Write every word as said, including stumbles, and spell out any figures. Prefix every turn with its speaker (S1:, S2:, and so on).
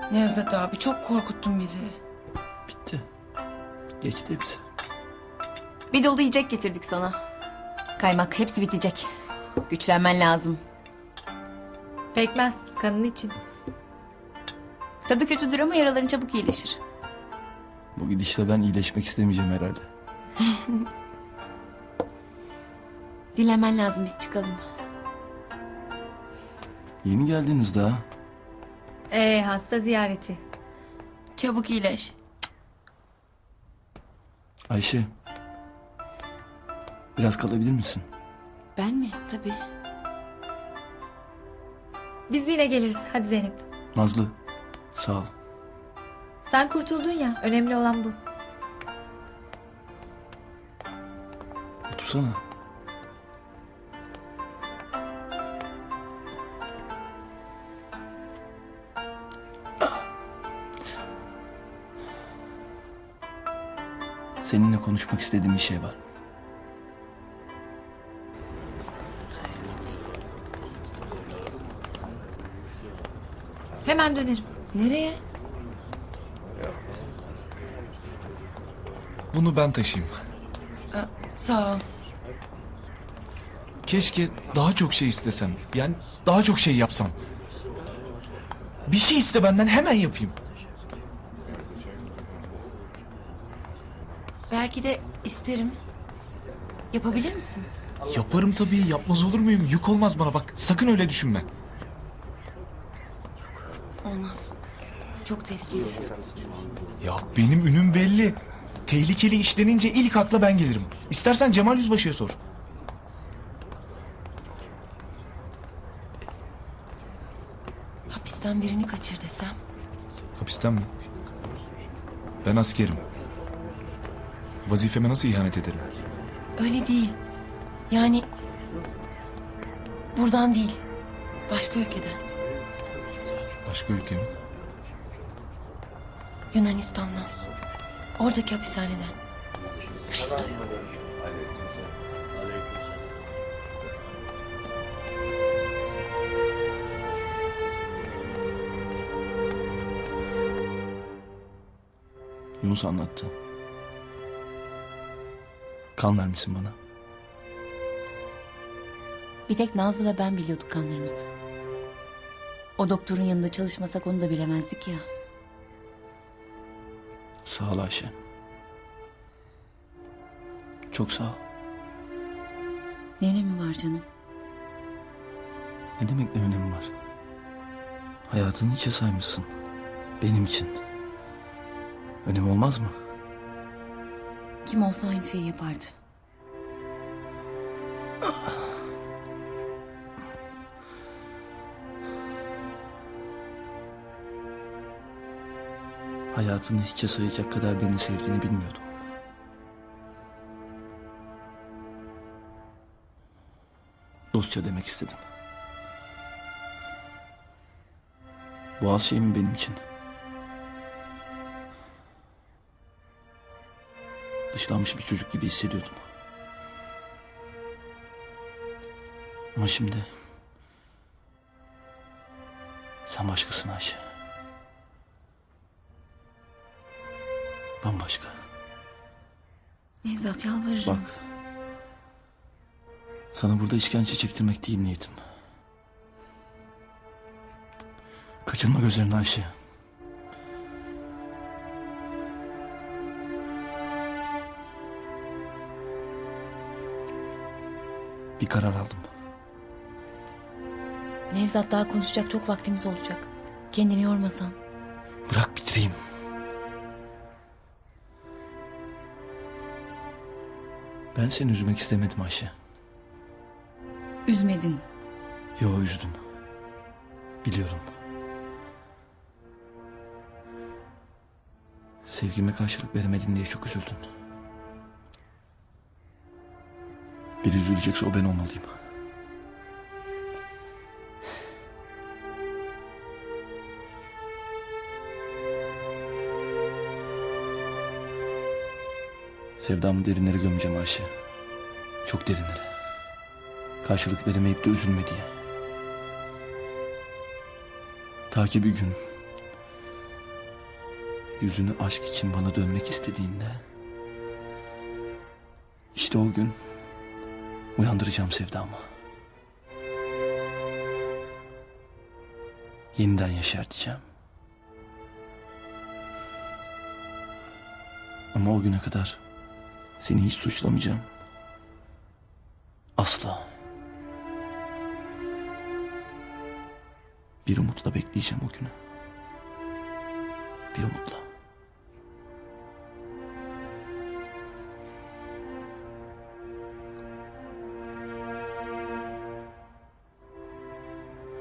S1: Nevzat abi çok korkuttun bizi.
S2: Bitti. Geçti hepsi.
S3: Bir dolu yiyecek getirdik sana. Kaymak hepsi bitecek. Güçlenmen lazım.
S4: Pekmez kanın için.
S3: Tadı kötüdür ama yaraların çabuk iyileşir.
S2: Bu gidişle ben iyileşmek istemeyeceğim herhalde.
S3: Dinlenmen lazım, biz çıkalım.
S2: Yeni geldiniz daha.
S4: Ee hasta ziyareti.
S1: Çabuk iyileş.
S2: Ayşe. Biraz kalabilir misin?
S3: Ben mi? Tabii.
S4: Biz yine geliriz. Hadi Zeynep.
S2: Nazlı. Sağ ol.
S4: Sen kurtuldun ya. Önemli olan bu.
S2: Otursana. Seninle konuşmak istediğim bir şey var.
S4: Hemen dönerim.
S1: Nereye?
S5: Bunu ben taşıyayım.
S1: Aa, sağ ol.
S5: Keşke daha çok şey istesem. Yani daha çok şey yapsam. Bir şey iste benden, hemen yapayım.
S1: Belki de isterim. Yapabilir misin?
S5: Yaparım tabii, yapmaz olur muyum? Yük olmaz bana, bak sakın öyle düşünme.
S1: Olmaz. Çok tehlikeli.
S5: Ya benim ünüm belli. Tehlikeli iş denince ilk akla ben gelirim. İstersen Cemal Yüzbaşı'ya sor.
S1: Hapisten birini kaçır desem.
S5: Hapisten mi? Ben askerim. Vazifeme nasıl ihanet ederim?
S1: Öyle değil. Yani buradan değil. Başka ülkeden.
S5: Başka ülke mi?
S1: Yunanistan'dan. Oradaki hapishaneden. Hristo'yu.
S2: Yunus anlattı. Kan vermişsin bana.
S3: Bir tek Nazlı ve ben biliyorduk kanlarımızı. O doktorun yanında çalışmasak onu da bilemezdik ya.
S2: Sağ ol Ayşe. Çok sağ ol.
S3: Ne önemi var canım?
S2: Ne demek ne önemi var? Hayatını hiçe saymışsın. Benim için. Önemi olmaz mı?
S3: Kim olsa aynı şeyi yapardı.
S2: Hayatını hiçe sayacak kadar beni sevdiğini bilmiyordum. Dostça demek istedim. Bu az şey mi benim için? Dışlanmış bir çocuk gibi hissediyordum. Ama şimdi... Sen başkasın Ayşe. Bambaşka.
S3: Nevzat, yalvarırım.
S2: Bak. Sana burada işkence çektirmek değil niyetim. Kaçırma gözlerini Ayşe. Bir karar aldım.
S3: Nevzat, daha konuşacak çok vaktimiz olacak. Kendini yormasan.
S2: Bırak bitireyim. Ben seni üzmek istemedim Ayşe.
S3: Üzmedin.
S2: Yo, üzdüm. Biliyorum. Sevgime karşılık veremedin diye çok üzüldün. Biri üzülecekse o ben olmalıyım. Sevdamı derinlere gömeceğim Ayşe. Çok derinlere. Karşılık veremeyip de üzülme diye. Ta ki bir gün yüzünü aşk için bana dönmek istediğinde, işte o gün uyandıracağım sevdamı. Yeniden yeşerteceğim. Ama o güne kadar seni hiç suçlamayacağım. Asla. Bir umutla bekleyeceğim o günü. Bir umutla.